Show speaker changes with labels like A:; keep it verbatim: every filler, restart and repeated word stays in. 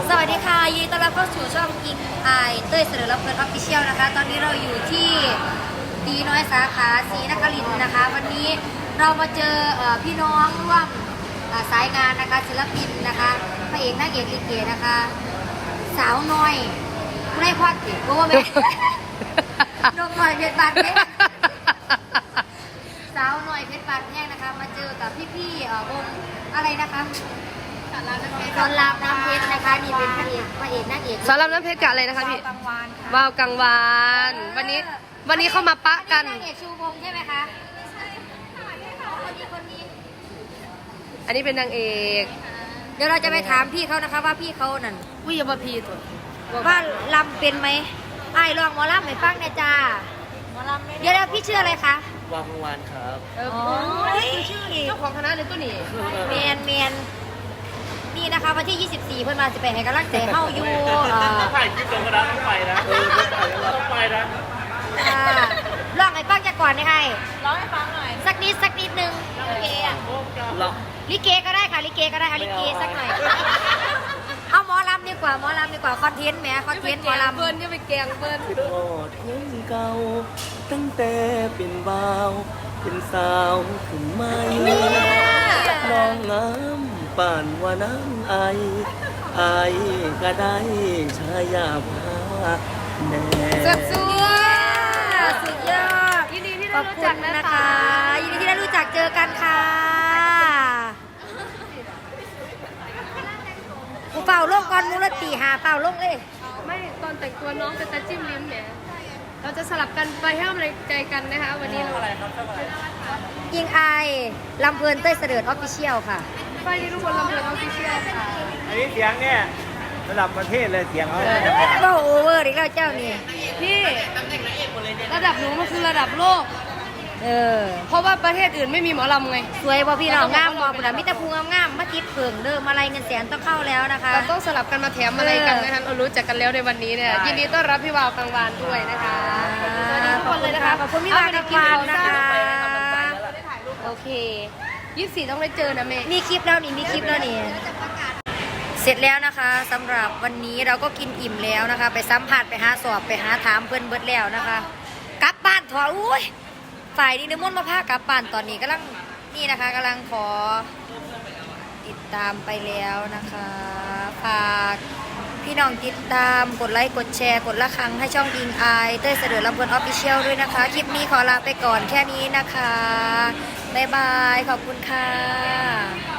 A: สวัสดีค่ะยินดีต้อนรับเข้าสู่ช่องกิงไอเต้ยเสนอรับเพิร์ดออฟฟิเชียลนะคะตอนนี้เราอยู่ที่ตีน้อยสาขาศรีนครินทร์นะคะวันนี้เรามาเจอพี่น้องร่วมสายงานนะคะศิลปินนะคะพระเอกนางเอกลิเกนะคะสาวน้อยไม่ได้พอดติเพราะว่าแม่นกหน่อยเพชรบานเพชรสาวน้อยเพชรบานแห้งนะคะมาเจอกับพี่ๆวงอะไรนะคะสอนรามน้ำเพชรนะคะนี่เป็นพระเอกพระเอกนางเอก
B: สอนรามน้ำเพชรกับอะไรนะคะพี่
A: กังวานค่ะ
B: ว่าวกังวานวันนี้วันนี้เข้ามาปะกัน
A: นางเอกชูวงใช่ไหมคะคนนี้คนนี้
B: อันนี้เป็นนางเอก
A: เดี๋ยวเราจะไปถามพี่เขานะคะว่าพี่เขานั่น
B: วิยาบพีตัว
A: ว่าลำเป็นไหมไอ้ลองหมอลำให้ฟังหน่อยจ้าเดี๋ยวแล้วพี่ชื่ออะไรคะ
C: วางกังวานครับ
B: เออ
A: โอ้ย
B: เจ้าของคณะเลยตัวนี้
A: เมียนเมียนนี่นะคะวันที่ ยี่สิบสี่ เพื่อนมาสิไปให้กำลังใจเฮาอยู่เอ่อ
C: ถ่ายคลิปลงกระดานต้องไปนะเออต้องไปแล้วต้องไปนะ
A: อ่าลองให้ฟังจากก่อนนะคะ
D: ร้องให้ฟังหน่อย
A: สักนิดสักนิดนึง
D: โอเคอ่ะ
C: เรา
A: ลิเกก็ได้ค่ะลิเกก็ได้เอาลิเกสักหน่อยเอาหมอลำดีกว่าหมอลำดีกว่าคอนเทนต์แหมคอนเทนต์หมอลำ
B: เบิ้ลจะไปแกงเบิ้ล
C: โอ้เทียนเก่าตั้งแต่เป็นบ่าวเป็นสาวขึ้นใหม่น้องงามป่านว่าน้ำไอไอก็ได้ชายาพาแน่
B: สุดสุ
A: สุ
B: ด
A: ดยอด
B: ยินดีที่
A: ข
B: ได้
A: อบ
B: รู้
A: คุ
B: จัก
A: ณ
B: นะ
A: นะคะ คะยินดีที่ได้รู้จักเจอกันค่ะกูเป่าลงก่อนมูลตีหาเป่าลงเลย
B: ไม่ตอนแต่งตัวน้องเป็นตาจิ้มลิ้มเนี่ยเราจะสลับกันไปให้กำลังใจกันนะคะวันนี้เรา
A: ยิงไอลำเพลินเต้ยเสด็จออฟฟิเชียลค่ะ
B: ไปที่ทุกคนลำเพลินออฟฟิเชียลค่ะ
C: อันนี้เสียงเนี่ยระดับประเทศเลยเสียงเขา
A: ก็โอเวอร์อีกแล้วเจ้านี่
B: พี่ระดับหนูมันคือระดับโลก
A: เออ
B: เพราะว่าประเทศอื่นไม่มีหมอลำไง
A: สวยบ่พี่น้องงามบ่ปุ่นมิตรภูงามๆมาติดเผิงเดิมอะไรเงินแสนต้องเข้าแล้วนะคะ
B: เราต้องสลับกันมาแถมอะไรกันนะคะเรารู้จักกันแล้วในวันนี้เนี่ยยินดีต้อนรับพี่วาวกลางวานด้วยนะคะสวัสดีทุกคนเลยนะคะ
A: ขอบคุณพี่วาวกลางวานนะคะ
B: โอเคยี่สิบสี่ต้องได้เจอนะเมย์
A: มีคลิปแล้วนี่มีคลิปแล้วนี่เสร็จแล้วนะคะสำหรับวันนี้เราก็กินอิ่มแล้วนะคะ ไปสัมผัสไปหาสอบไปหาถามเพื่อนเบิดแล้วนะคะกลับบ้านถออุ้ยฝ่ายนี้นิมนต์มาพากลับบ้านตอนนี้กำลังนี่นะคะกำลังขอติดตามไปแล้วนะคะฝากพี่น้องติดตามกดไลค์กดแชร์กดละครังให้ช่องยิงไอเต้ยเสด็จลำเพลินออฟฟิเชียลด้วยนะคะคลิปนี้ขอลาไปก่อนแค่นี้นะคะบ๊ายบายขอบคุณค่ะ